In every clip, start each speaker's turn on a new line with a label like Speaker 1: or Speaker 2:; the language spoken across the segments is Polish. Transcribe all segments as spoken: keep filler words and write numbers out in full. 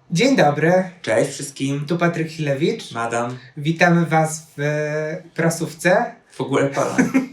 Speaker 1: Dzień dobry,
Speaker 2: Cześć wszystkim,
Speaker 1: tu Patryk Chilewicz.
Speaker 2: madam,
Speaker 1: Witamy Was w e, prasówce.
Speaker 2: w ogóle pana.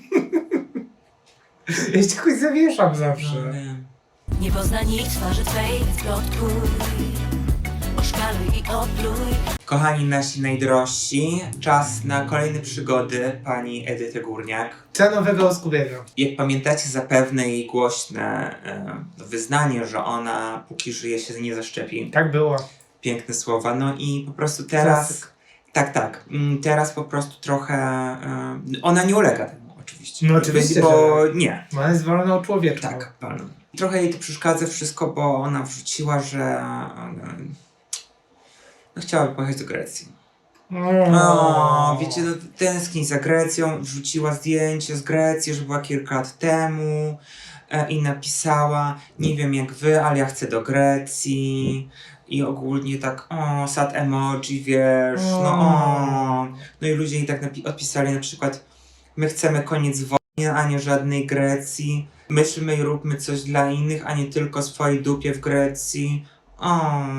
Speaker 1: Ja się jakoś zawieszam zawsze.
Speaker 3: Nie pozna nikt twarzy twej, więc plotkuj, oszkaluj i opluj.
Speaker 2: Kochani nasi najdrożsi, czas na kolejne przygody pani Edyty Górniak.
Speaker 1: Co nowego u Skubiego?
Speaker 2: Jak pamiętacie zapewne jej głośne e, wyznanie, że ona póki żyje się nie zaszczepi.
Speaker 1: Tak było.
Speaker 2: Piękne słowa, no i po prostu teraz...
Speaker 1: Klasyk.
Speaker 2: Tak, tak, mm, teraz po prostu trochę... E, ona nie ulega temu oczywiście.
Speaker 1: No oczywiście,
Speaker 2: Bo
Speaker 1: że-
Speaker 2: nie.
Speaker 1: Ona jest wolną człowieczką.
Speaker 2: Tak, pan. Trochę jej to przeszkadza wszystko, bo ona wrzuciła, że e, no, chciałaby pojechać do Grecji. O, wiecie, no, tęskni za Grecją, wrzuciła zdjęcie z Grecji, że była kilka lat temu e, i napisała, nie wiem jak wy, ale ja chcę do Grecji. I ogólnie tak, o, sad emoji, wiesz, no o. No i ludzie jej tak napi- odpisali na przykład, my chcemy koniec wojny, a nie żadnej Grecji. Myślmy i róbmy coś dla innych, a nie tylko swojej dupie w Grecji. O.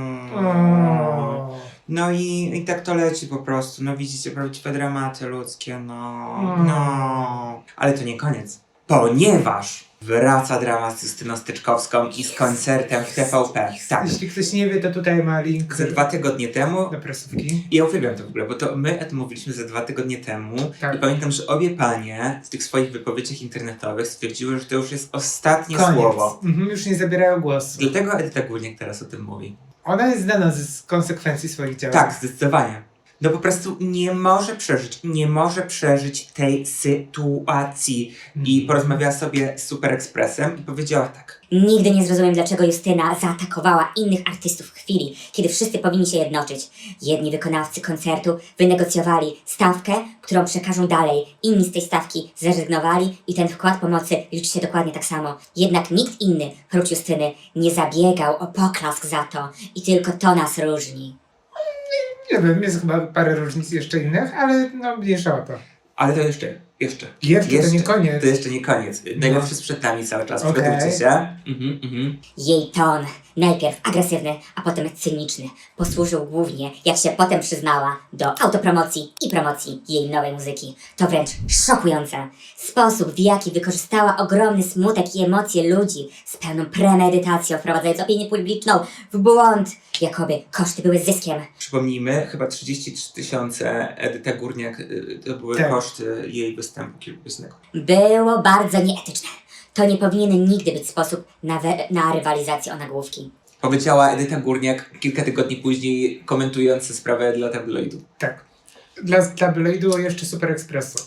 Speaker 1: O.
Speaker 2: No i, i tak to leci po prostu. No widzicie, prawdziwe dramaty ludzkie, no.
Speaker 1: Mm.
Speaker 2: No. Ale to nie koniec. Ponieważ wraca dramat z Justyną Styczkowską i z koncertem w T V P. Tak.
Speaker 1: Jeśli ktoś nie wie, to tutaj ma link
Speaker 2: Ze dwa tygodnie temu.
Speaker 1: do prasówki.
Speaker 2: I ja uwielbiam to w ogóle, bo to my o tym mówiliśmy ze dwa tygodnie temu.
Speaker 1: Tak.
Speaker 2: I pamiętam, że obie panie w tych swoich wypowiedziach internetowych stwierdziły, że to już jest ostatnie
Speaker 1: Koniec.
Speaker 2: słowo.
Speaker 1: Mhm, już nie zabierają głosu.
Speaker 2: Dlatego Edyta Górniak teraz o tym mówi.
Speaker 1: Ona jest znana z konsekwencji swoich działań.
Speaker 2: Tak, zdecydowanie. No po prostu nie może przeżyć, nie może przeżyć tej sytuacji. I porozmawiała sobie z Super Expressem i powiedziała tak.
Speaker 4: Nigdy nie zrozumiem, dlaczego Justyna zaatakowała innych artystów w chwili, kiedy wszyscy powinni się jednoczyć. Jedni wykonawcy koncertu wynegocjowali stawkę, którą przekażą dalej. Inni z tej stawki zrezygnowali i ten wkład pomocy liczy się dokładnie tak samo. Jednak nikt inny, prócz Justyny, nie zabiegał o poklask za to. I tylko to nas różni.
Speaker 1: Nie wiem, jest chyba parę różnic jeszcze innych, ale no mniejsza o to.
Speaker 2: Ale to jeszcze, jeszcze.
Speaker 1: Jeszcze, to nie koniec.
Speaker 2: To jeszcze nie koniec. Najlepszy jest przed nami cały czas.
Speaker 1: Okej.
Speaker 2: Przygotujcie się. Mhm, mhm.
Speaker 4: Jej ton, najpierw agresywny, a potem cyniczny, posłużył głównie, jak się potem przyznała, do autopromocji i promocji jej nowej muzyki. To wręcz szokujące. Sposób, w jaki wykorzystała ogromny smutek i emocje ludzi z pełną premedytacją, wprowadzając opinię publiczną w błąd, jakoby koszty były zyskiem.
Speaker 2: Przypomnijmy, chyba trzydzieści trzy tysiące Edyta Górniak y, to były
Speaker 1: Tak.
Speaker 2: koszty jej występu kilkupięsnego.
Speaker 4: Było bardzo nieetyczne. To nie powinien nigdy być sposób na, we- na rywalizację o nagłówki.
Speaker 2: Powiedziała Edyta Górniak kilka tygodni później, komentując sprawę dla tabloidu.
Speaker 1: Tak. Dla tabloidu jeszcze Super Expressu.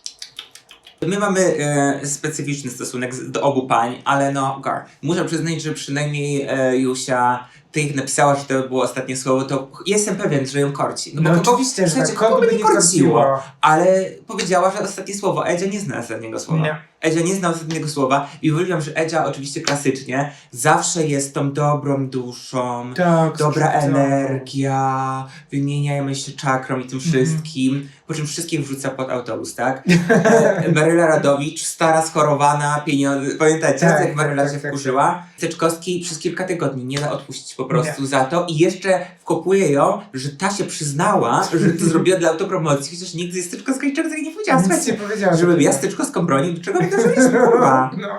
Speaker 2: My mamy e, specyficzny stosunek z, do obu pań, ale no, gar. Muszę przyznać, że przynajmniej e, Jusia, ty ich napisała, że to było ostatnie słowo, to jestem pewien, że ją korci.
Speaker 1: No
Speaker 2: bo
Speaker 1: oczywiście, że
Speaker 2: słuchajcie,
Speaker 1: tak, kogo by nie korciło.
Speaker 2: Ale powiedziała, że ostatnie słowo. Edzia nie zna ostatniego słowa.
Speaker 1: Nie.
Speaker 2: Edzia nie zna ostatniego słowa i uwielbiam, że Edzia oczywiście klasycznie zawsze jest tą dobrą duszą,
Speaker 1: Tak,
Speaker 2: dobra
Speaker 1: tak.
Speaker 2: energia, wymieniajmy się czakrą i tym wszystkim, po czym wszystkich wrzuca pod autobus, tak? E, Maryla Radowicz, stara, schorowana, pieniądze, pamiętacie,
Speaker 1: Tak,
Speaker 2: jak Maryla
Speaker 1: tak,
Speaker 2: się
Speaker 1: tak,
Speaker 2: wkurzyła? Teczkowski przez kilka tygodni nie da odpuścić po prostu za to i jeszcze wkopuje ją, że ta się przyznała, że to zrobiła dla autopromocji, chociaż nigdy z Teczkowskiej niczego takiego nie powiedziała.
Speaker 1: Nic nie
Speaker 2: Słuchajcie,
Speaker 1: powiedziała.
Speaker 2: żebym ja z Teczkowską bronił, do czego mi to zrobiliśmy, kurwa?
Speaker 1: No.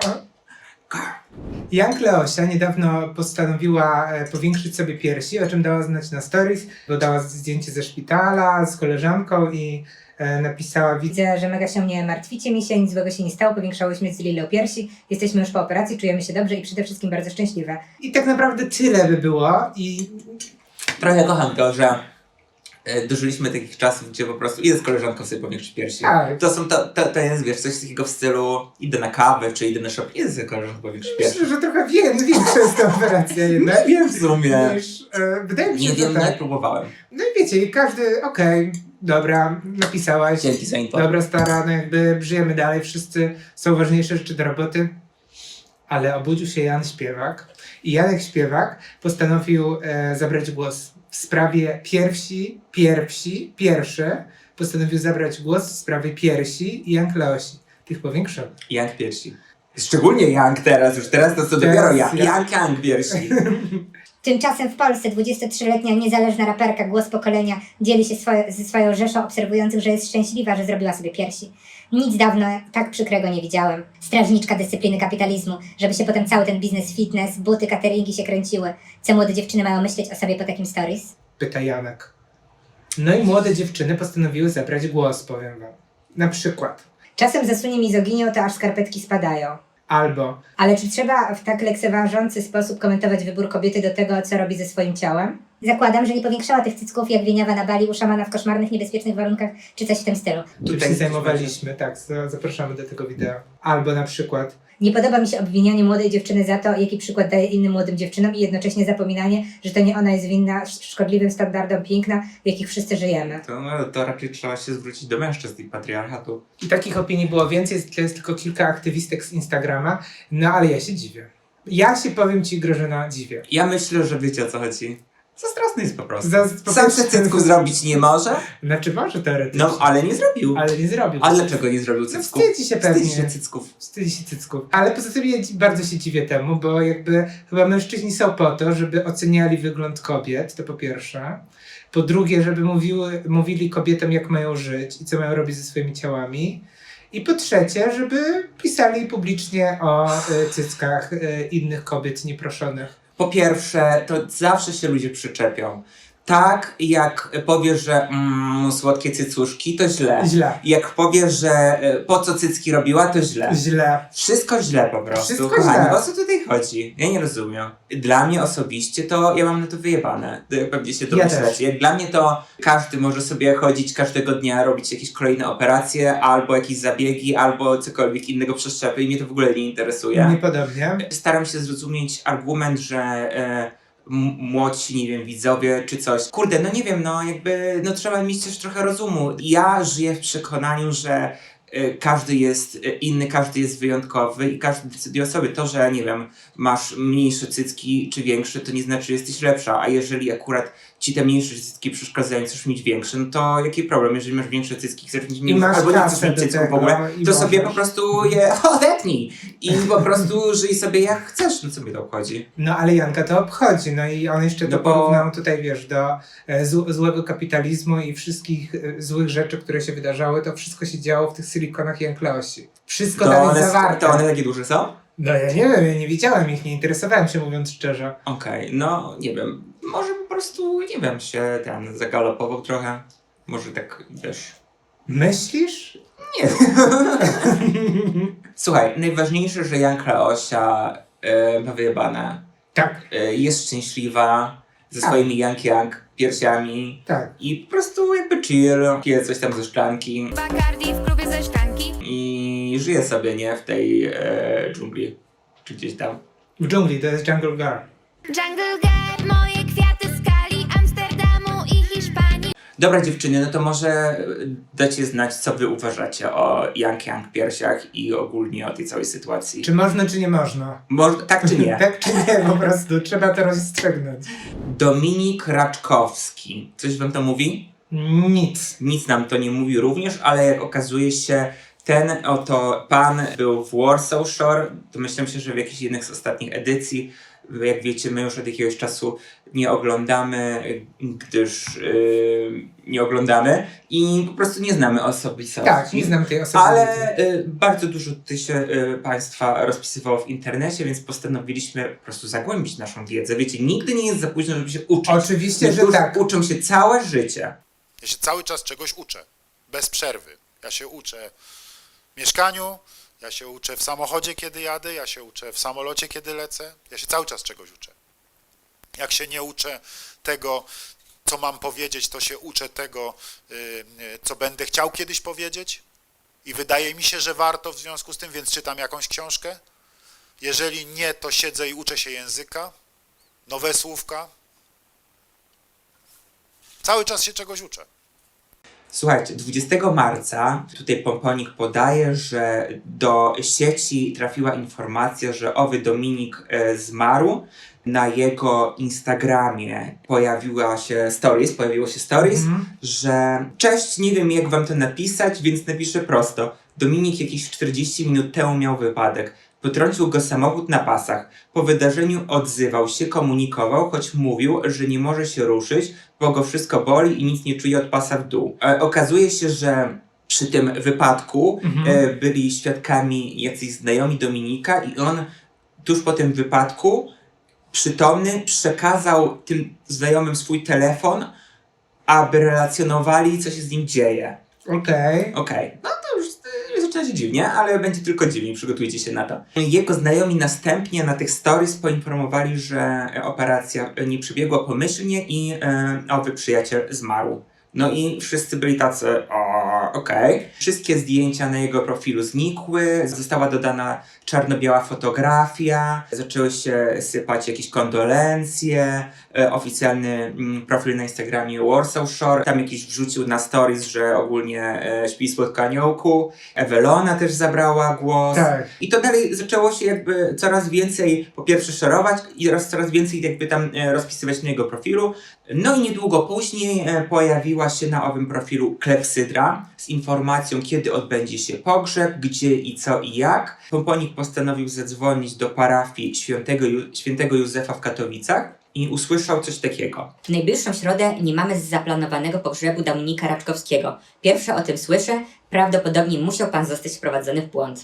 Speaker 1: Jan Kleosia niedawno postanowiła e, powiększyć sobie piersi, o czym dała znać na stories. Dodała zdjęcie ze szpitala z koleżanką i e, napisała: widzę.
Speaker 5: Widzę, że mega się nie martwicie, mi się nic złego się nie stało, powiększałyśmy z Lilą piersi, jesteśmy już po operacji, czujemy się dobrze i przede wszystkim bardzo szczęśliwe.
Speaker 1: I tak naprawdę tyle by było. I
Speaker 2: Trochę kocham to, że e, dożyliśmy takich czasów, gdzie po prostu idę z koleżanką sobie powiększyć piersi.
Speaker 1: Tak.
Speaker 2: To są, to, to, to jest, wiesz, coś takiego w stylu idę na kawę, czy idę na shop, idę z koleżanką powiększyć piersi.
Speaker 1: myślę, że trochę wie, większa jest ta operacja jednak.
Speaker 2: Nie wiem w sumie.
Speaker 1: Niż, e, wydaje mi się,
Speaker 2: Nie
Speaker 1: że
Speaker 2: wiem,
Speaker 1: tak.
Speaker 2: nawet próbowałem.
Speaker 1: No i wiecie, i każdy, okej, dobra, napisałaś.
Speaker 2: Dzięki za info.
Speaker 1: Dobra, stara, no jakby żyjemy dalej, wszyscy są ważniejsze rzeczy do roboty. Ale obudził się Jan Śpiewak i Janek Śpiewak postanowił e, zabrać głos w sprawie piersi, piersi, pierwszy postanowił zabrać głos w sprawie piersi i Jan Kleosi, tych powiększonych.
Speaker 2: Jak piersi. Szczególnie Young teraz, już teraz to co
Speaker 1: Teraz
Speaker 2: dopiero ja.
Speaker 1: ja-
Speaker 2: Young Young wiersi.
Speaker 5: Tymczasem w Polsce dwudziestotrzyletnia niezależna raperka Głos Pokolenia dzieli się swoje, ze swoją rzeszą obserwujących, że jest szczęśliwa, że zrobiła sobie piersi. Nic dawno tak przykrego nie widziałem. Strażniczka dyscypliny kapitalizmu, żeby się potem cały ten biznes fitness, buty, cateringi się kręciły. Co młode dziewczyny mają myśleć o sobie po takim stories?
Speaker 1: Pyta Janek. No i młode dziewczyny postanowiły zabrać głos, powiem wam. Na przykład.
Speaker 5: Czasem zasunie mizoginią, to aż skarpetki spadają.
Speaker 1: Albo
Speaker 5: Ale czy trzeba w tak lekceważący sposób komentować wybór kobiety do tego, co robi ze swoim ciałem? Zakładam, że nie powiększała tych cycków jak Wieniawa na Bali u szamana w koszmarnych, niebezpiecznych warunkach, czy coś w tym stylu.
Speaker 1: Tutaj się zajmowaliśmy, tak, za- zapraszamy do tego wideo. Albo na przykład,
Speaker 5: Nie podoba mi się obwinianie młodej dziewczyny za to, jaki przykład daje innym młodym dziewczynom i jednocześnie zapominanie, że to nie ona jest winna sz- szkodliwym standardom piękna, w jakich wszyscy żyjemy.
Speaker 2: To, no, to raczej trzeba się zwrócić do mężczyzn i patriarchatu.
Speaker 1: i takich opinii było więcej, jest, to jest tylko kilka aktywistek z Instagrama, no ale ja się dziwię. Ja się, powiem ci, Grażyna, dziwię.
Speaker 2: Ja myślę, że wiecie o co chodzi. Zazdrosny jest po prostu.
Speaker 1: Za- po
Speaker 2: Sam
Speaker 1: prostu-
Speaker 2: se cycku zrobić nie może,
Speaker 1: Znaczy może teoretycznie,
Speaker 2: no ale nie zrobił.
Speaker 1: ale nie zrobił.
Speaker 2: A dlaczego nie zrobił
Speaker 1: No
Speaker 2: cycków?
Speaker 1: wstydzi się pewnie.
Speaker 2: Wstydzi się cycków.
Speaker 1: Wstydzi się cycków. Ale poza tym ja dzi- bardzo się dziwię temu, bo jakby chyba mężczyźni są po to, żeby oceniali wygląd kobiet, to po pierwsze. Po drugie, żeby mówiły, mówili kobietom, jak mają żyć i co mają robić ze swoimi ciałami. I po trzecie, żeby pisali publicznie o y, cyckach y, innych kobiet nieproszonych.
Speaker 2: Po pierwsze, to zawsze się ludzie przyczepią. Tak, jak powiesz, że mm, słodkie cycuszki, to źle.
Speaker 1: Źle.
Speaker 2: Jak powiesz, że y, po co cycki robiła, to źle.
Speaker 1: Źle.
Speaker 2: Wszystko źle po prostu.
Speaker 1: Wszystko
Speaker 2: Kochani,
Speaker 1: źle.
Speaker 2: o co tutaj chodzi? Ja nie rozumiem. Dla mnie osobiście to ja mam na to wyjebane. Jak pewnie się
Speaker 1: Ja
Speaker 2: domyślacie.
Speaker 1: też.
Speaker 2: Jak dla mnie to każdy może sobie chodzić każdego dnia, robić jakieś kolejne operacje, albo jakieś zabiegi, albo cokolwiek innego przeszczepy i mnie to w ogóle nie interesuje.
Speaker 1: Niepodobnie.
Speaker 2: Staram się zrozumieć argument, że e, m- młodsi, nie wiem, widzowie czy coś. Kurde, no nie wiem, no jakby, no trzeba mieć też trochę rozumu. Ja żyję w przekonaniu, że e, każdy jest e, inny, każdy jest wyjątkowy i każdy decyduje o sobie. To, że nie wiem, masz mniejsze cycki czy większe, to nie znaczy, że jesteś lepsza, a jeżeli akurat ci te mniejsze cycki przeszkadzają, chcesz mieć większe, no to jaki problem, jeżeli masz większe cycki, chcesz mieć mniejsze,
Speaker 1: masz
Speaker 2: albo nie
Speaker 1: kasę
Speaker 2: chcesz mieć
Speaker 1: do
Speaker 2: cycków w
Speaker 1: tego
Speaker 2: ogóle,
Speaker 1: i
Speaker 2: to sobie po
Speaker 1: możesz.
Speaker 2: prostu je odetnij i po prostu żyj sobie jak chcesz, no co mnie to obchodzi.
Speaker 1: No ale Janka to obchodzi, no i on jeszcze
Speaker 2: No
Speaker 1: to
Speaker 2: bo-
Speaker 1: porównał tutaj, wiesz, do e, zł- złego kapitalizmu i wszystkich e, złych rzeczy, które się wydarzały, to wszystko się działo w tych silikonach Jankleosi. Wszystko
Speaker 2: To
Speaker 1: tam
Speaker 2: one,
Speaker 1: jest zawarte.
Speaker 2: to one takie duże są?
Speaker 1: No ja nie wiem, ja nie widziałem ich, nie interesowałem się, mówiąc szczerze.
Speaker 2: Okej, no nie wiem, może po prostu, nie wiem, się ten zagalopował trochę, może tak, wiesz...
Speaker 1: Myślisz?
Speaker 2: Nie. Słuchaj, najważniejsze, że Janka Leosia e, ma wyjebane,
Speaker 1: Tak,
Speaker 2: e, jest szczęśliwa, ze
Speaker 1: Tak.
Speaker 2: swoimi Jank Jank piersiami
Speaker 1: tak.
Speaker 2: i po prostu jakby chill, pije coś tam ze szklanki
Speaker 6: Bacardi w klubie ze szklanki.
Speaker 2: i żyje sobie, nie, w tej e, dżungli, czy gdzieś tam.
Speaker 1: W dżungli to jest Jungle Girl.
Speaker 6: Jungle Girl, moje kwiaty skali, Amsterdamu i Hiszpanii.
Speaker 2: Dobra dziewczyny, no to może dacie znać, co wy uważacie o Jank Jank piersiach i ogólnie o tej całej sytuacji.
Speaker 1: Czy można, czy nie można?
Speaker 2: Może, tak czy nie?
Speaker 1: tak czy nie, po prostu. Trzeba to rozstrzygnąć.
Speaker 2: Dominik Raczkowski. Coś wam to mówi?
Speaker 1: Nic.
Speaker 2: Nic nam to nie mówi również, ale jak okazuje się, ten oto pan był w Warsaw Shore. Domyślam się, że w jakiejś jednej z ostatnich edycji. Jak wiecie, my już od jakiegoś czasu nie oglądamy, gdyż yy, nie oglądamy i po prostu nie znamy osobistości.
Speaker 1: Tak, nie znam tej osoby.
Speaker 2: Ale y, bardzo dużo tutaj się y, Państwa rozpisywało w internecie, więc postanowiliśmy po prostu zagłębić naszą wiedzę. Wiecie, nigdy nie jest za późno, żeby się uczyć.
Speaker 1: Oczywiście, że
Speaker 2: Niektórzy
Speaker 1: tak.
Speaker 2: uczą się całe życie.
Speaker 7: Ja się cały czas czegoś uczę, bez przerwy. Ja się uczę w mieszkaniu, ja się uczę w samochodzie, kiedy jadę, ja się uczę w samolocie, kiedy lecę. Ja się cały czas czegoś uczę. Jak się nie uczę tego, co mam powiedzieć, to się uczę tego, yy, yy, co będę chciał kiedyś powiedzieć. I wydaje mi się, że warto w związku z tym, więc czytam jakąś książkę. Jeżeli nie, to siedzę i uczę się języka, nowe słówka. Cały czas się czegoś uczę.
Speaker 2: Słuchajcie, dwudziestego marca tutaj Pomponik podaje, że do sieci trafiła informacja, że owy Dominik e, zmarł. Na jego Instagramie pojawiła się stories, pojawiło się stories,
Speaker 1: Mhm.
Speaker 2: że cześć, nie wiem jak wam to napisać, więc napiszę prosto. Dominik jakieś czterdzieści minut temu miał wypadek. Potrącił go samochód na pasach. Po wydarzeniu odzywał się, komunikował, choć mówił, że nie może się ruszyć, bo go wszystko boli i nic nie czuje od pasa w dół. E, okazuje się, że przy tym wypadku
Speaker 1: Mhm.
Speaker 2: e, byli świadkami jacyś znajomi Dominika i on tuż po tym wypadku przytomny przekazał tym znajomym swój telefon, aby relacjonowali, co się z nim dzieje.
Speaker 1: Okej.
Speaker 2: Okej, no to już y, zaczyna się dziwnie, ale będzie tylko dziwniej, przygotujcie się na to. Jego znajomi następnie na tych stories poinformowali, że operacja nie przebiegła pomyślnie i y, owy przyjaciel zmarł. No i wszyscy byli tacy, o, okej. Wszystkie zdjęcia na jego profilu znikły, została dodana czarno-biała fotografia, zaczęły się sypać jakieś kondolencje, e, oficjalny mm, profil na Instagramie Warsaw Shore, tam jakiś wrzucił na stories, że ogólnie e, śpi słodko aniołku, Ewelona też zabrała głos.
Speaker 1: Tak.
Speaker 2: I to dalej zaczęło się jakby coraz więcej, po pierwsze szerować i oraz coraz więcej jakby tam e, rozpisywać na jego profilu. No i niedługo później e, pojawiła się na owym profilu klepsydra z informacją, kiedy odbędzie się pogrzeb, gdzie i co i jak. Pomponik postanowił zadzwonić do parafii świętego, Ju- świętego Józefa w Katowicach i usłyszał coś takiego.
Speaker 4: W najbliższą środę nie mamy z zaplanowanego pogrzebu Dominika Raczkowskiego. Pierwsze o tym słyszę, prawdopodobnie musiał pan zostać wprowadzony w błąd.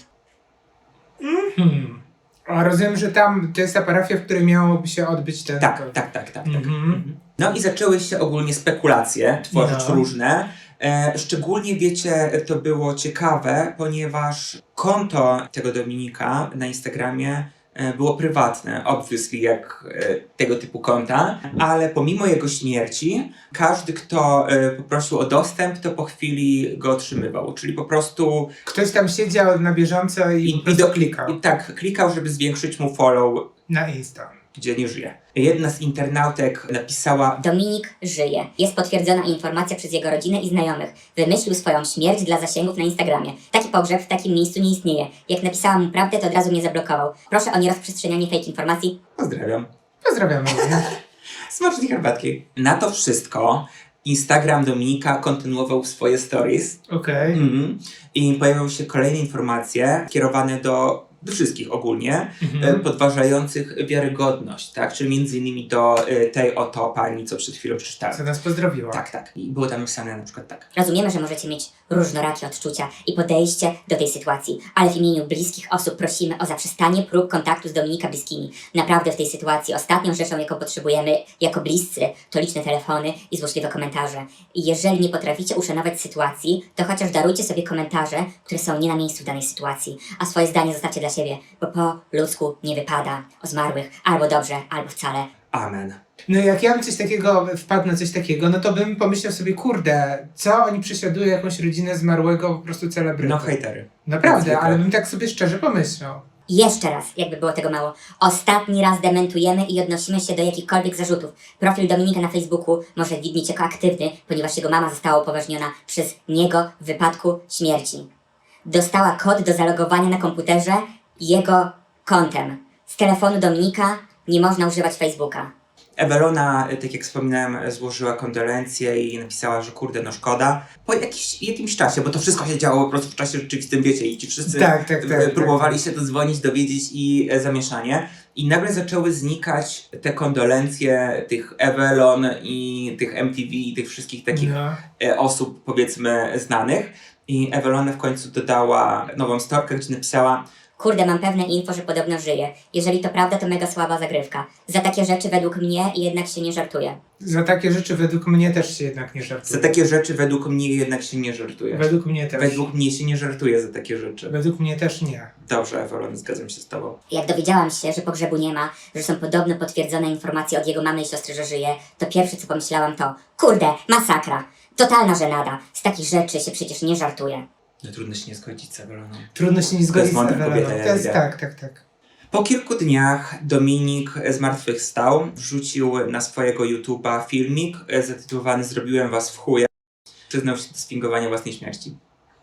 Speaker 1: Hmm. A rozumiem, że tam to jest ta parafia, w której miałoby się odbyć ten...
Speaker 2: Tak, tak, tak, tak. tak.
Speaker 1: Mhm.
Speaker 2: No i zaczęły się ogólnie spekulacje tworzyć
Speaker 1: No.
Speaker 2: różne. E, szczególnie, wiecie, to było ciekawe, ponieważ konto tego Dominika na Instagramie e, było prywatne, obviously jak e, tego typu konta, ale pomimo jego śmierci, każdy, kto e, poprosił o dostęp, to po chwili go otrzymywał. Czyli po prostu
Speaker 1: Ktoś tam siedział na bieżąco i,
Speaker 2: I-
Speaker 1: po
Speaker 2: i
Speaker 1: prostu
Speaker 2: do-
Speaker 1: klikał
Speaker 2: i tak klikał, żeby zwiększyć mu follow,
Speaker 1: na Insta.
Speaker 2: gdzie nie żyje. Jedna z internautek napisała:
Speaker 4: Dominik żyje. Jest potwierdzona informacja przez jego rodzinę i znajomych. Wymyślił swoją śmierć dla zasięgów na Instagramie. Taki pogrzeb w takim miejscu nie istnieje. Jak napisałam mu prawdę, to od razu mnie zablokował. Proszę o nierozprzestrzenianie fake informacji.
Speaker 2: pozdrawiam.
Speaker 1: Pozdrawiamy.
Speaker 2: Smacznej herbatki. Na to wszystko Instagram Dominika kontynuował swoje stories.
Speaker 1: Okej.
Speaker 2: Mhm. I pojawiły się kolejne informacje kierowane do, do wszystkich ogólnie,
Speaker 1: Mhm.
Speaker 2: e, podważających wiarygodność, tak? Czyli między innymi do e, tej oto pani, co przed chwilą przeczytałem.
Speaker 1: Co nas pozdrowiła.
Speaker 2: Tak, tak. I było tam napisane na przykład tak.
Speaker 4: Rozumiemy, że możecie mieć różnorakie odczucia i podejście do tej sytuacji, ale w imieniu bliskich osób prosimy o zaprzestanie prób kontaktu z Dominika bliskimi. Naprawdę w tej sytuacji ostatnią rzeczą, jaką potrzebujemy jako bliscy, to liczne telefony i złośliwe komentarze. I jeżeli nie potraficie uszanować sytuacji, to chociaż darujcie sobie komentarze, które są nie na miejscu w danej sytuacji, a swoje zdanie zostawcie dla siebie, bo po ludzku nie wypada o zmarłych albo dobrze, albo wcale.
Speaker 2: Amen.
Speaker 1: No jak ja bym coś takiego, wpadł na coś takiego, no to bym pomyślał sobie, kurde, co oni prześladują jakąś rodzinę zmarłego po prostu celebrytę.
Speaker 2: No hejtery.
Speaker 1: Naprawdę,
Speaker 2: Zwykle.
Speaker 1: ale bym tak sobie szczerze pomyślał.
Speaker 4: I jeszcze raz, jakby było tego mało. Ostatni raz dementujemy i odnosimy się do jakichkolwiek zarzutów. Profil Dominika na Facebooku może widnieć jako aktywny, ponieważ jego mama została upoważniona przez niego w wypadku śmierci. Dostała kod do zalogowania na komputerze jego kontem. Z telefonu Dominika nie można używać Facebooka.
Speaker 2: Ewelona, tak jak wspominałem, złożyła kondolencje i napisała, że kurde, no szkoda. Po jakiś, jakimś czasie, bo to wszystko się działo po prostu w czasie rzeczywistym, wiecie, i ci wszyscy
Speaker 1: Tak, tak, tak,
Speaker 2: e, próbowali
Speaker 1: tak.
Speaker 2: się dodzwonić, dowiedzieć i e, zamieszanie. I nagle zaczęły znikać te kondolencje tych Ewelon i tych M T V i tych wszystkich takich
Speaker 1: No.
Speaker 2: e, osób, powiedzmy, znanych. I Ewelona w końcu dodała nową storkę, gdzie napisała:
Speaker 4: Kurde, mam pewne info, że podobno żyje. Jeżeli to prawda, to mega słaba zagrywka. Za takie rzeczy według mnie jednak się nie żartuje.
Speaker 1: Za takie rzeczy według mnie też się jednak nie żartuje.
Speaker 2: za takie rzeczy według mnie jednak się nie żartuje.
Speaker 1: Według mnie też.
Speaker 2: Według mnie się nie żartuje za takie rzeczy.
Speaker 1: Według mnie też nie.
Speaker 2: Dobrze, Ewelon, zgadzam się z tobą.
Speaker 4: Jak dowiedziałam się, że pogrzebu nie ma, że są podobno potwierdzone informacje od jego mamy i siostry, że żyje, to pierwsze co pomyślałam to: kurde, masakra. Totalna żenada. Z takich rzeczy się przecież nie żartuje.
Speaker 2: No trudno się nie zgodzić z Eweloną.
Speaker 1: Trudno się nie zgodzić z
Speaker 2: mądra
Speaker 1: Eweleną.
Speaker 2: kobieta, ja
Speaker 1: To jest
Speaker 2: widzę.
Speaker 1: tak, tak, tak.
Speaker 2: Po kilku dniach Dominik zmartwychwstał, wrzucił na swojego YouTube'a filmik zatytułowany "Zrobiłem was w chuja". Przyznał się do sfingowania własnej śmierci.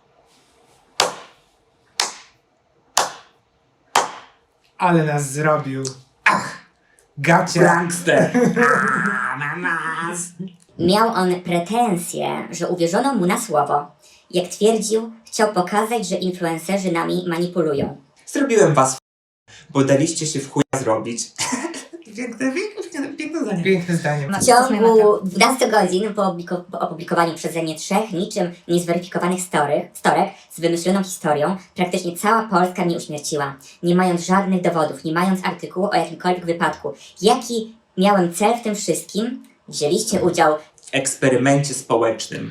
Speaker 1: Ale nas zrobił. Ach! Gacie!
Speaker 2: Prankster! Ananas!
Speaker 4: Miał on pretensje, że uwierzono mu na słowo. Jak twierdził, chciał pokazać, że influencerzy nami manipulują.
Speaker 2: Zrobiłem was bo daliście się w chuja zrobić. Piękne, piękne, piękne zdanie.
Speaker 1: Piękne zdanie.
Speaker 4: W ciągu dwunastu godzin po, obliku- po opublikowaniu przeze mnie trzech niczym niezweryfikowanych story, storek z wymyśloną historią, praktycznie cała Polska mnie uśmierciła, nie mając żadnych dowodów, nie mając artykułu o jakimkolwiek wypadku. Jaki miałem cel w tym wszystkim? Wzięliście udział
Speaker 2: W eksperymencie społecznym.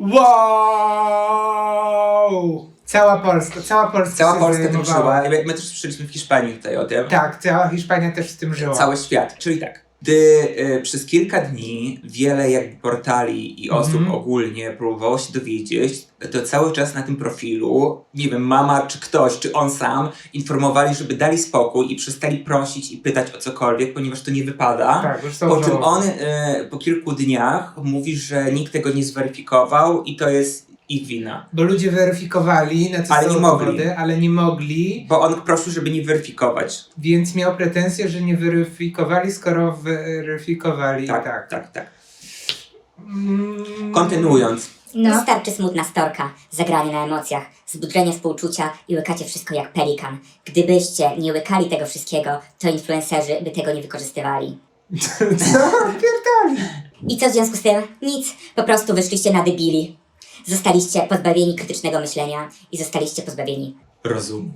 Speaker 1: Wow! Cała Polska, cała Polska
Speaker 2: Cała
Speaker 1: się
Speaker 2: Polska tym
Speaker 1: zajmowała.
Speaker 2: żyła. My też słyszeliśmy w Hiszpanii tutaj o tym.
Speaker 1: Tak, cała Hiszpania też w tym żyła.
Speaker 2: Cały świat. Czyli tak, gdy y, przez kilka dni wiele jakby portali i osób
Speaker 1: Mhm.
Speaker 2: ogólnie próbowało się dowiedzieć, to cały czas na tym profilu, nie wiem, mama czy ktoś, czy on sam, informowali, żeby dali spokój i przestali prosić i pytać o cokolwiek, ponieważ to nie wypada.
Speaker 1: Tak, już są
Speaker 2: Po czym
Speaker 1: żałoby.
Speaker 2: on y, po kilku dniach mówi, że nikt tego nie zweryfikował i to jest ich wina.
Speaker 1: Bo ludzie weryfikowali, na co
Speaker 2: Ale
Speaker 1: są
Speaker 2: nie mogli.
Speaker 1: dowody, ale nie mogli,
Speaker 2: Bo on prosił, żeby nie weryfikować.
Speaker 1: więc miał pretensje, że nie weryfikowali, skoro weryfikowali.
Speaker 2: Tak,
Speaker 1: tak.
Speaker 2: tak, tak.
Speaker 1: Mm.
Speaker 2: Kontynuując.
Speaker 5: No.
Speaker 4: Wystarczy smutna storka, zagranie na emocjach, zbudzenie współczucia i łykacie wszystko jak pelikan. Gdybyście nie łykali tego wszystkiego, to influencerzy by tego nie wykorzystywali.
Speaker 1: Co? Pierdoli.
Speaker 4: I co w związku z tym? Nic. Po prostu wyszliście na debili. Zostaliście pozbawieni krytycznego myślenia i zostaliście pozbawieni.
Speaker 2: Rozum.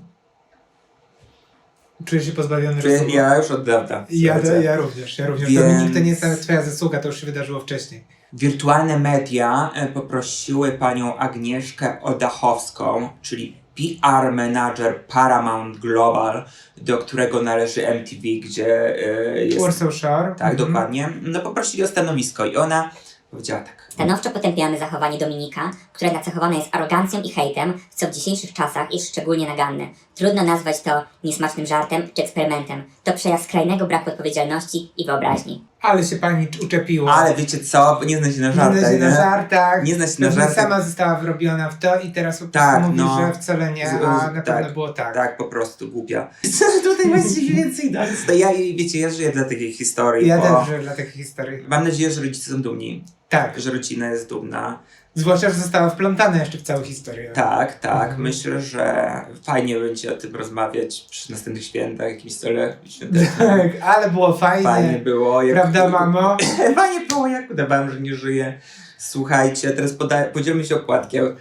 Speaker 1: Czuję się pozbawiony rozumu.
Speaker 2: Ja już od dawna.
Speaker 1: Ja,
Speaker 2: Słuchajcie.
Speaker 1: ja również, ja również.
Speaker 2: Więc-
Speaker 1: Dominik, to nie jest nawet twoja zasługa, to już się wydarzyło wcześniej.
Speaker 2: Wirtualne media e, poprosiły panią Agnieszkę Odachowską, czyli P R manager Paramount Global, do którego należy M T V, gdzie e, jest...
Speaker 1: Warsaw Shore.
Speaker 2: Tak,
Speaker 1: Mhm.
Speaker 2: dokładnie. No poprosili o stanowisko i ona powiedziała tak.
Speaker 4: Stanowczo potępiamy zachowanie Dominika, które nacechowane jest arogancją i hejtem, co w dzisiejszych czasach jest szczególnie naganne. Trudno nazwać to niesmacznym żartem czy eksperymentem. To przejaw skrajnego braku odpowiedzialności i wyobraźni.
Speaker 1: Ale się pani uczepiła.
Speaker 2: Ale wiecie co? Nie zna się na
Speaker 1: nie
Speaker 2: żartach,
Speaker 1: zna się na żartach.
Speaker 2: Nie zna się na
Speaker 1: Pewnie
Speaker 2: żartach.
Speaker 1: sama została wrobiona w to i teraz po prostu
Speaker 2: Tak,
Speaker 1: mówi,
Speaker 2: no.
Speaker 1: że wcale nie,
Speaker 2: Z-
Speaker 1: a na
Speaker 2: tak,
Speaker 1: pewno było tak.
Speaker 2: Tak, po prostu głupia. Co tutaj właściwie więcej dać? To ja, wiecie, ja żyję dla takiej historii,
Speaker 1: Ja
Speaker 2: bo
Speaker 1: też żyję dla takich historii.
Speaker 2: mam nadzieję, że rodzice są dumni,
Speaker 1: Tak.
Speaker 2: że rodzina jest dumna.
Speaker 1: Zwłaszcza, że została wplątana jeszcze w całą historię.
Speaker 2: Tak, tak.
Speaker 1: Mhm.
Speaker 2: Myślę, że fajnie będzie o tym rozmawiać przy następnych świętach, jakimś stole świątecznym.
Speaker 1: Tak, ale było fajnie.
Speaker 2: Fajnie było. Jak...
Speaker 1: Prawda, mamo?
Speaker 2: Fajnie było, jak udawałem, że nie żyję. Słuchajcie, teraz poda- podzielmy się opłatkiem.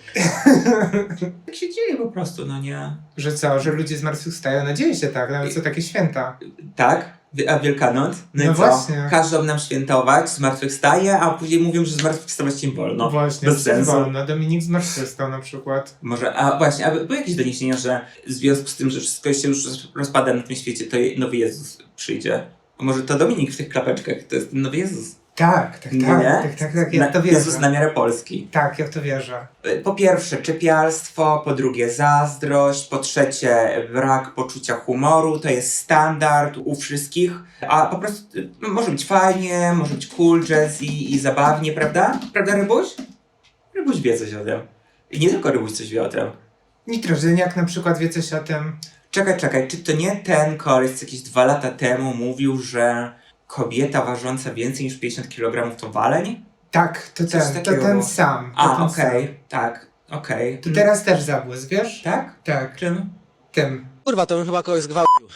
Speaker 2: Tak się dzieje po prostu, no nie?
Speaker 1: Że co, że ludzie zmartwychwstają? No dzieje się tak, nawet są takie święta.
Speaker 2: Tak? Wi- A Wielkanoc? No,
Speaker 1: No
Speaker 2: i co?
Speaker 1: właśnie.
Speaker 2: Każą nam świętować, zmartwychwstaje, a później mówią, że zmartwychwstawać nie wolno.
Speaker 1: No właśnie,
Speaker 2: bez sensu.
Speaker 1: wolno. Dominik zmartwychwstał na przykład.
Speaker 2: Może, a właśnie, a były jakieś doniesienia, że w związku z tym, że wszystko się już rozpada na tym świecie, to nowy Jezus przyjdzie? A może to Dominik w tych klapeczkach, to jest ten nowy Jezus?
Speaker 1: Tak, tak,
Speaker 2: Nie?
Speaker 1: tak, tak, tak, tak, ja w to
Speaker 2: Na-
Speaker 1: wierzę.
Speaker 2: Jezus na miarę Polski.
Speaker 1: Tak, ja w to wierzę.
Speaker 2: Po pierwsze czepialstwo, po drugie zazdrość, po trzecie brak poczucia humoru, to jest standard u wszystkich, a po prostu y, może być fajnie, może być cool, jazz i, i zabawnie, prawda? Prawda, Rybuś? Rybuś wie coś o tym. I nie tylko Rybuś coś wie o tym.
Speaker 1: Nitrożyniak na przykład wie coś o tym.
Speaker 2: Czekaj, czekaj, czy to nie ten koleś z jakieś dwa lata temu mówił, że kobieta ważąca więcej niż pięćdziesiąt kilogramów to waleń?
Speaker 1: Tak, to
Speaker 2: Coś
Speaker 1: ten, to
Speaker 2: takiego
Speaker 1: ten
Speaker 2: było.
Speaker 1: sam. To
Speaker 2: A,
Speaker 1: ten
Speaker 2: okej,
Speaker 1: sam.
Speaker 2: tak, okej.
Speaker 1: To teraz też zabłysk, wiesz?
Speaker 2: Tak?
Speaker 1: Tak,
Speaker 2: Czym?
Speaker 1: tym.
Speaker 8: Kurwa, to bym chyba kogoś zgwałcił.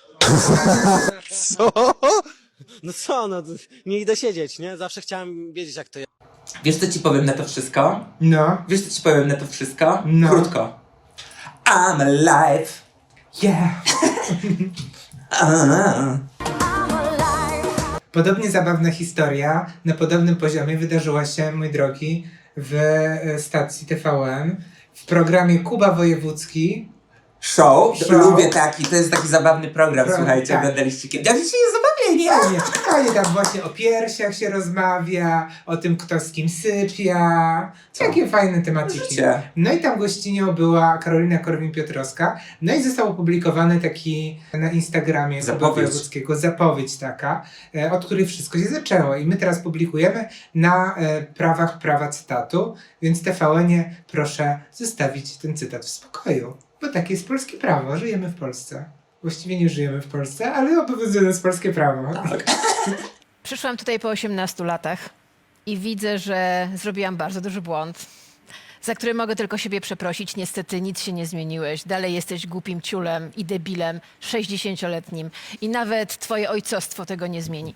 Speaker 8: Co? No co, no nie idę siedzieć, nie? Zawsze chciałem wiedzieć, jak to jest.
Speaker 2: Wiesz, co ci powiem na to wszystko?
Speaker 1: No.
Speaker 2: Wiesz, co ci powiem na to wszystko?
Speaker 1: No.
Speaker 2: Krótko. I'm alive.
Speaker 1: Yeah.
Speaker 2: A.
Speaker 1: Podobnie zabawna historia na podobnym poziomie wydarzyła się, mój drogi, w e, stacji T V N w programie Kuba Wojewódzki.
Speaker 2: Show.
Speaker 1: Show.
Speaker 2: Lubię taki, to jest taki zabawny program,
Speaker 1: Pro-
Speaker 2: słuchajcie,
Speaker 1: tak.
Speaker 2: oglądaliście kiedyś. Jak się jest zabawnie, nie?
Speaker 1: Fajnie, fajnie tam właśnie o piersiach się rozmawia, o tym kto z kim sypia. Jakie fajne tematiki.
Speaker 2: Życie.
Speaker 1: No i tam gościnią była Karolina Korwin-Piotrowska. No i został opublikowany taki na Instagramie Kuba
Speaker 2: Zapowiedź.
Speaker 1: Wojewódzkiego zapowiedź taka, e, od której wszystko się zaczęło. I my teraz publikujemy na e, prawach prawa cytatu, więc T V N-ie proszę zostawić ten cytat w spokoju. Bo takie jest polskie prawo, żyjemy w Polsce. Właściwie nie żyjemy w Polsce, ale obowiązuje nas polskie prawo.
Speaker 9: Przyszłam tutaj po osiemnastu latach i widzę, że zrobiłam bardzo duży błąd. za które mogę tylko siebie przeprosić. Niestety nic się nie zmieniłeś. Dalej jesteś głupim ciulem i debilem sześćdziesięcioletnim. I nawet twoje ojcostwo tego nie zmieni.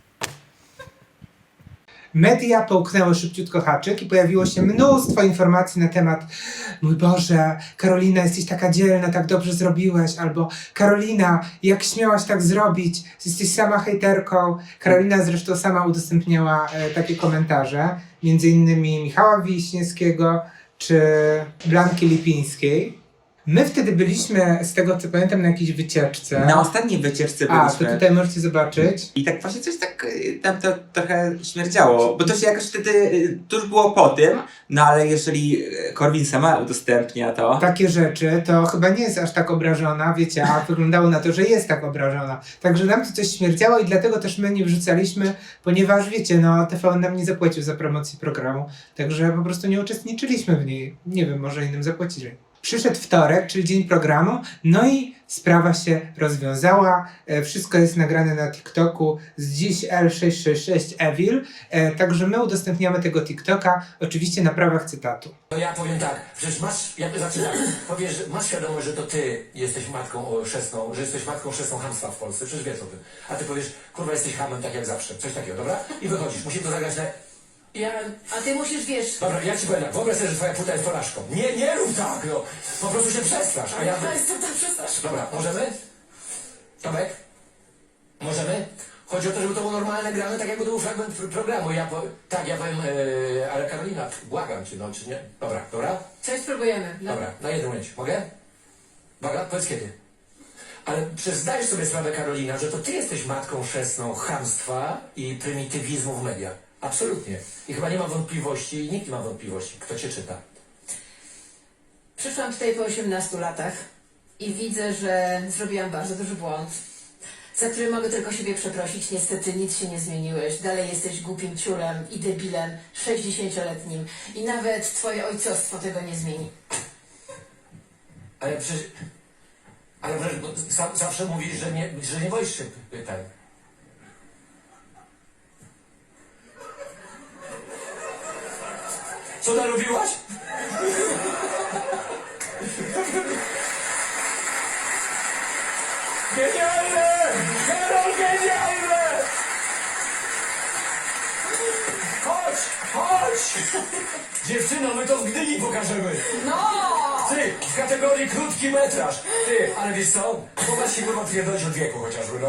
Speaker 1: Media połknęły szybciutko haczyk i pojawiło się mnóstwo informacji na temat mój Boże, Karolina, jesteś taka dzielna, tak dobrze zrobiłeś, albo Karolina, jak śmiałaś tak zrobić, jesteś sama hejterką. Karolina zresztą sama udostępniała e, takie komentarze, między innymi Michała Wiśniewskiego czy Blanki Lipińskiej. My wtedy byliśmy, z tego co pamiętam, na jakiejś wycieczce.
Speaker 2: Na ostatniej wycieczce
Speaker 1: A,
Speaker 2: byliśmy.
Speaker 1: to tutaj możecie zobaczyć.
Speaker 2: I tak właśnie coś tak y, tam to trochę śmierdziało, bo to się jakoś wtedy y, tuż było po tym, no ale jeżeli y, Korwin sama udostępnia to...
Speaker 1: Takie rzeczy, to chyba nie jest aż tak obrażona, wiecie, a wyglądało na to, że jest tak obrażona. Także nam to coś śmierdziało i dlatego też my nie wrzucaliśmy, ponieważ wiecie, no T V N nam nie zapłacił za promocję programu, także po prostu nie uczestniczyliśmy w niej. Nie wiem, może innym zapłacili. Przyszedł wtorek, czyli dzień programu, no i sprawa się rozwiązała. E, wszystko jest nagrane na TikToku z dziś L sześć sześć sześć Evil, e, także my udostępniamy tego TikToka, oczywiście na prawach cytatu.
Speaker 10: No ja powiem tak, przecież masz, ja znaczy tak, powiesz, że masz świadomość, że to ty jesteś matką o, chrzestną, że jesteś matką chrzestną chamstwa w Polsce, przecież wiesz o tym. A ty powiesz, kurwa, jesteś hamem tak jak zawsze, coś takiego, dobra? I wychodzisz, musimy to zagrać na...
Speaker 3: Ja, a ty musisz, wiesz...
Speaker 10: Dobra, ja ci powiem tak, wyobraź sobie, że twoja płyta jest porażką. Nie, nie rób tak, no. Po prostu się przestrasz, a ja...
Speaker 3: co tam przestasz?
Speaker 10: Dobra, możemy? Tomek? Możemy? Chodzi o to, żeby to było normalne grane, tak jakby to był fragment pr programu. Ja po... Tak, ja powiem, yy, ale Karolina, błagam cię, no, czy nie? Dobra, dobra?
Speaker 3: Coś spróbujemy. No.
Speaker 10: Dobra, na jedną mieć. Mogę? Uwaga, powiedz kiedy. Ale przecież zdajesz sobie sprawę, Karolina, że to ty jesteś matką chrzestną chamstwa i prymitywizmu w mediach. Absolutnie. I chyba nie ma wątpliwości, i nikt nie ma wątpliwości, kto cię czyta.
Speaker 3: Przyszłam tutaj po osiemnastu latach i widzę, że zrobiłam bardzo duży błąd, za który mogę tylko siebie przeprosić. Niestety nic się nie zmieniłeś. Dalej jesteś głupim ciulem i debilem sześćdziesięcioletnim. I nawet twoje ojcostwo tego nie zmieni.
Speaker 10: Ale przecież... Ale przecież bo sam, zawsze mówisz, że nie, że nie boisz się pytań. Co narobiłaś? Genialne! Karol, genialne! Chodź, chodź! Dziewczyno, my to w Gdyni pokażemy.
Speaker 3: No!
Speaker 10: Ty, w kategorii krótki metraż. Ty, ale wiesz co? Popatrz się kurwa pierdolić od wieku chociażby, no.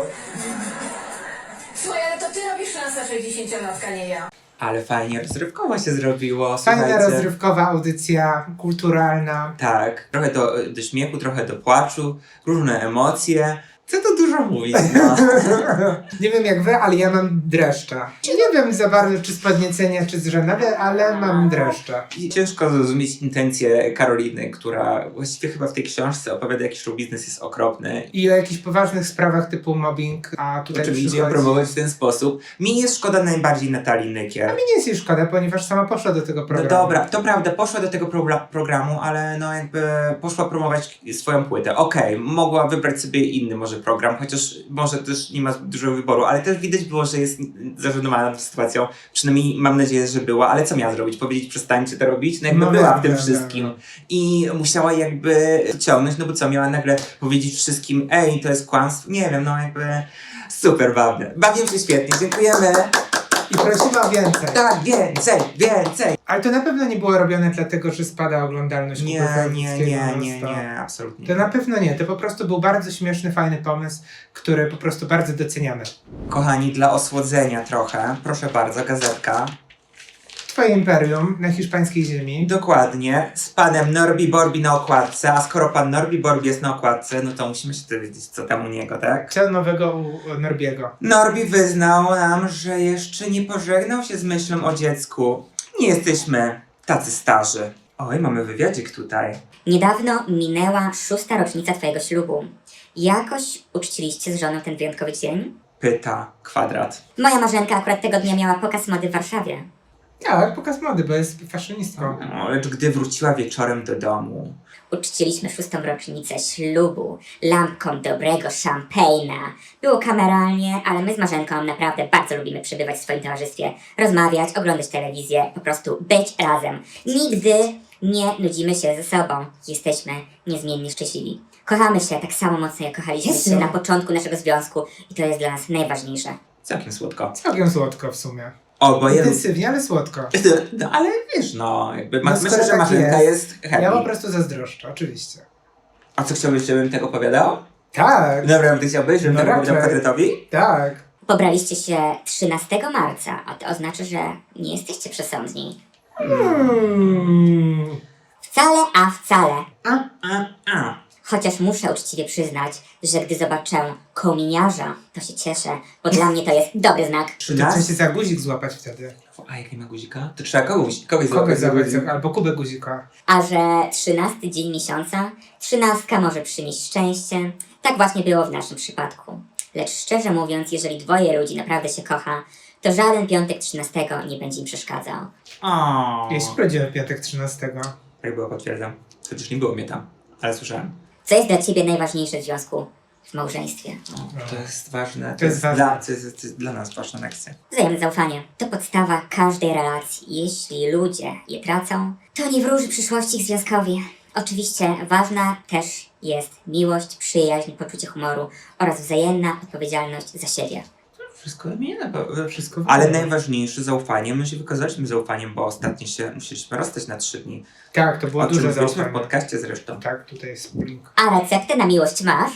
Speaker 3: Słuchaj, ale to ty robisz szansa sześćdziesięciolatka, nie ja.
Speaker 2: Ale fajnie rozrywkowo się zrobiło,
Speaker 1: Fajna
Speaker 2: słuchajcie.
Speaker 1: rozrywkowa audycja, kulturalna.
Speaker 2: Tak, trochę do, do śmiechu, trochę do płaczu, różne emocje. Co tu dużo mówić, no.
Speaker 1: Nie wiem jak wy, ale ja mam dreszcze. Nie wiem za bardzo, czy z podniecenia, czy z żenady, ale mam dreszcze.
Speaker 2: I ciężko zrozumieć intencje Karoliny, która właściwie chyba w tej książce opowiada, jaki show biznes jest okropny.
Speaker 1: I o jakichś poważnych sprawach typu mobbing, a tutaj
Speaker 2: Oczywiście ją
Speaker 1: przychodzi...
Speaker 2: promować w ten sposób. Mi jest szkoda najbardziej Natalii Nykiel.
Speaker 1: A mi nie jest jej szkoda, ponieważ sama poszła do tego
Speaker 2: No
Speaker 1: programu.
Speaker 2: dobra, to prawda, poszła do tego pro programu, ale no jakby poszła promować swoją płytę. Okej, okay, mogła wybrać sobie inny może program, chociaż może też nie ma zbyt dużo wyboru, ale też widać było, że jest zażenowana tą sytuacją. Przynajmniej mam nadzieję, że była, ale co miała zrobić? Powiedzieć, przestańcie to robić? No jakby
Speaker 1: No
Speaker 2: była
Speaker 1: wiem,
Speaker 2: w tym
Speaker 1: wiem,
Speaker 2: wszystkim.
Speaker 1: wiem.
Speaker 2: I musiała jakby ciągnąć, no bo co, miała nagle powiedzieć wszystkim, ej, to jest kłamstwo? Nie wiem, no jakby super bawię. Bawię się świetnie, dziękujemy.
Speaker 1: I prosimy o więcej.
Speaker 2: Tak, więcej, więcej.
Speaker 1: Ale to na pewno nie było robione dlatego, że spada oglądalność
Speaker 2: Nie,
Speaker 1: Kuby
Speaker 2: nie,
Speaker 1: Wojewódzkiego
Speaker 2: nie,
Speaker 1: non
Speaker 2: nie,
Speaker 1: stop.
Speaker 2: nie, absolutnie.
Speaker 1: To na pewno nie, to po prostu był bardzo śmieszny, fajny pomysł, który po prostu bardzo doceniamy.
Speaker 2: Kochani, dla osłodzenia trochę, proszę bardzo, gazetka.
Speaker 1: Twoje imperium na hiszpańskiej ziemi.
Speaker 2: Dokładnie, z panem Norbi Borbi na okładce, a skoro pan Norbi Borbi jest na okładce, no to musimy się dowiedzieć, co tam u niego, tak?
Speaker 1: Co nowego u Norbiego?
Speaker 2: Norbi wyznał nam, że jeszcze nie pożegnał się z myślą o dziecku. Nie jesteśmy tacy starzy. Oj, mamy wywiadzik tutaj.
Speaker 4: Niedawno minęła szósta rocznica twojego ślubu. Jakoś uczciliście z żoną ten wyjątkowy dzień?
Speaker 2: Pyta Kwadrat.
Speaker 4: Moja marzenka akurat tego dnia miała pokaz mody w Warszawie.
Speaker 1: Tak, pokaz mody, bo jest faszionistką.
Speaker 2: No, lecz gdy wróciła wieczorem do domu,
Speaker 4: Uczciliśmy szóstą rocznicę ślubu lampką dobrego szampejna. Było kameralnie, ale my z Marzenką naprawdę bardzo lubimy przebywać w swoim towarzystwie, rozmawiać, oglądać telewizję, po prostu być razem. Nigdy nie nudzimy się ze sobą. Jesteśmy niezmiennie szczęśliwi. Kochamy się tak samo mocno, jak kochaliśmy
Speaker 1: Jezu.
Speaker 4: się na początku naszego związku i to jest dla nas najważniejsze.
Speaker 2: całkiem słodko.
Speaker 1: Całkiem słodko w sumie.
Speaker 2: Oboje...
Speaker 1: Intensywnie, ale słodko.
Speaker 2: No ale wiesz, no, jakby
Speaker 1: No,
Speaker 2: ma,
Speaker 1: skoro
Speaker 2: myślę, że
Speaker 1: tak
Speaker 2: Marzenka
Speaker 1: jest,
Speaker 2: jest happy.
Speaker 1: Ja po prostu zazdroszczę, oczywiście.
Speaker 2: A co chciałbyś, żebym tego opowiadał?
Speaker 1: Tak,
Speaker 2: Dobra, ty chciałbyś, żebym
Speaker 1: No
Speaker 2: tego opowiadał
Speaker 1: raczej.
Speaker 2: kwadratowi?
Speaker 1: tak.
Speaker 4: Pobraliście się trzynastego marca, a to oznacza, że nie jesteście przesądni.
Speaker 1: Mm.
Speaker 4: Wcale, a wcale.
Speaker 2: A, a, a.
Speaker 4: Chociaż muszę uczciwie przyznać, że gdy zobaczę kominiarza, to się cieszę, bo dla mnie to jest dobry znak.
Speaker 1: To
Speaker 2: Czy
Speaker 1: trzeba
Speaker 2: nas?
Speaker 1: się za guzik złapać wtedy.
Speaker 2: A jak nie ma guzika? To trzeba kogoś, kogoś
Speaker 1: Kogoś
Speaker 2: złapać za
Speaker 1: złapać,
Speaker 2: guzik.
Speaker 1: za- albo kubę guzika.
Speaker 4: A że trzynasty dzień miesiąca, trzynastka może przynieść szczęście. Tak właśnie było w naszym przypadku. Lecz szczerze mówiąc, jeżeli dwoje ludzi naprawdę się kocha, to żaden piątek trzynastego nie będzie im przeszkadzał.
Speaker 2: O.
Speaker 1: Ja się urodziłem w piątek trzynastego.
Speaker 2: Tak było, potwierdzam. Chociaż nie było mnie tam, ale słyszałem.
Speaker 4: Co jest dla ciebie najważniejsze w związku, w małżeństwie?
Speaker 2: O, to jest ważne. To,
Speaker 1: To jest
Speaker 2: jest,
Speaker 1: ważne.
Speaker 2: Dla, to, jest, to jest dla nas ważna lekcja.
Speaker 4: Wzajemne zaufanie to podstawa każdej relacji. Jeśli ludzie je tracą, to nie wróży przyszłości ich związkowi. Oczywiście ważna też jest miłość, przyjaźń, poczucie humoru oraz wzajemna odpowiedzialność za siebie.
Speaker 2: Wszystko wymienione, bo wszystko
Speaker 1: wymienione.
Speaker 2: Ale najważniejsze zaufanie. My się wykazaliśmy zaufaniem, bo ostatnio się musieliśmy rozstać na trzy dni.
Speaker 1: Tak, to było
Speaker 2: O czym
Speaker 1: duże
Speaker 2: mówiliśmy w
Speaker 1: zaufanie.
Speaker 2: podcaście zresztą.
Speaker 1: Tak, tutaj jest link.
Speaker 4: A receptę na miłość masz?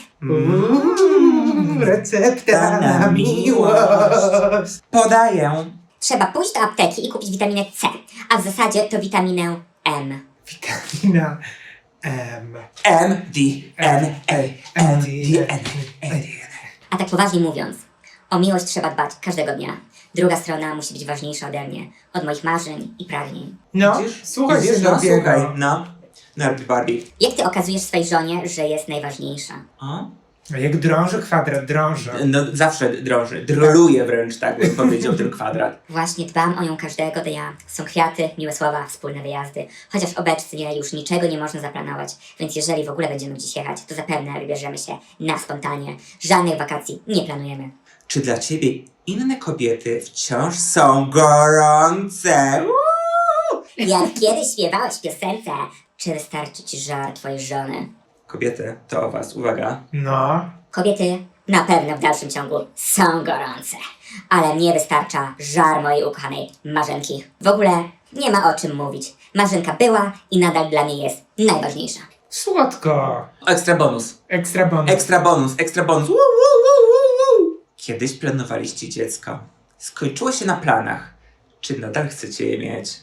Speaker 1: Mm, recepta na miłość.
Speaker 2: Podaję.
Speaker 4: Trzeba pójść do apteki i kupić witaminę C, a w zasadzie to witaminę M.
Speaker 1: Witamina M.
Speaker 2: M, D, N, A, M, D, N, A.
Speaker 4: A tak poważnie mówiąc, o miłość trzeba dbać każdego dnia. Druga strona musi być ważniejsza ode mnie, od moich marzeń i pragnień.
Speaker 1: No,
Speaker 2: Widzisz?
Speaker 1: słuchaj
Speaker 2: Widzisz?
Speaker 1: się
Speaker 2: No,
Speaker 1: dobiega.
Speaker 2: słuchaj, no. Narbi Barbie.
Speaker 4: Jak ty okazujesz swojej żonie, że jest najważniejsza?
Speaker 2: O?
Speaker 1: No jak drąży kwadrat, drąży.
Speaker 2: No zawsze drąży. Droluje wręcz, tak bym powiedział, ten kwadrat.
Speaker 4: Właśnie dbam o nią każdego dnia. Są kwiaty, miłe słowa, wspólne wyjazdy. Chociaż obecnie już niczego nie można zaplanować, więc jeżeli w ogóle będziemy gdzieś jechać, to zapewne wybierzemy się na spontanie. Żadnych wakacji nie planujemy.
Speaker 2: Czy dla ciebie inne kobiety wciąż są gorące? Uuu!
Speaker 4: Jak kiedyś śpiewałeś w piosence, czy wystarczy ci żar twojej żony?
Speaker 2: Kobiety, to o was, uwaga.
Speaker 1: No.
Speaker 4: Kobiety na pewno w dalszym ciągu są gorące, ale mnie wystarcza żar mojej ukochanej Marzenki. W ogóle nie ma o czym mówić. Marzenka była i nadal dla mnie jest najważniejsza.
Speaker 1: Słodko.
Speaker 2: Ekstra bonus.
Speaker 1: Ekstra bonus.
Speaker 2: Ekstra bonus, ekstra bonus. Woo, woo, woo, woo, woo. Kiedyś planowaliście dziecko. Skończyło się na planach. Czy nadal chcecie je mieć?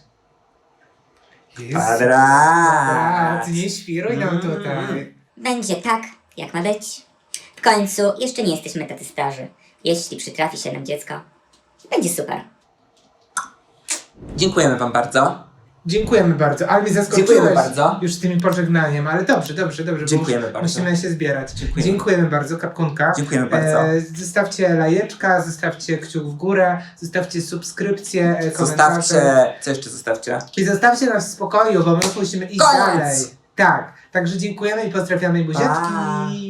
Speaker 1: Jezu.
Speaker 2: Kwadrat.
Speaker 1: Nie świruj nam
Speaker 2: Mm.
Speaker 1: tutaj.
Speaker 4: Będzie tak, jak ma być. W końcu jeszcze nie jesteśmy tacy starzy. Jeśli przytrafi się nam dziecko, będzie super.
Speaker 2: Dziękujemy wam bardzo.
Speaker 1: Dziękujemy bardzo, ale mnie zaskoczyłeś
Speaker 2: Dziękujemy bardzo.
Speaker 1: już z tym pożegnaniem, ale dobrze, dobrze, dobrze. bo
Speaker 2: Dziękujemy
Speaker 1: już
Speaker 2: bardzo.
Speaker 1: Musimy się zbierać.
Speaker 2: Dziękujemy.
Speaker 1: Dziękujemy bardzo, Kapkunka.
Speaker 2: Dziękujemy bardzo.
Speaker 1: E, zostawcie lajeczka, zostawcie kciuk w górę, zostawcie subskrypcję, e, komentarze.
Speaker 2: Zostawcie, co jeszcze zostawcie?
Speaker 1: I zostawcie nas w spokoju, bo my musimy iść
Speaker 2: Koniec.
Speaker 1: dalej. Tak, także dziękujemy i pozdrawiamy buziaczki.
Speaker 2: Pa.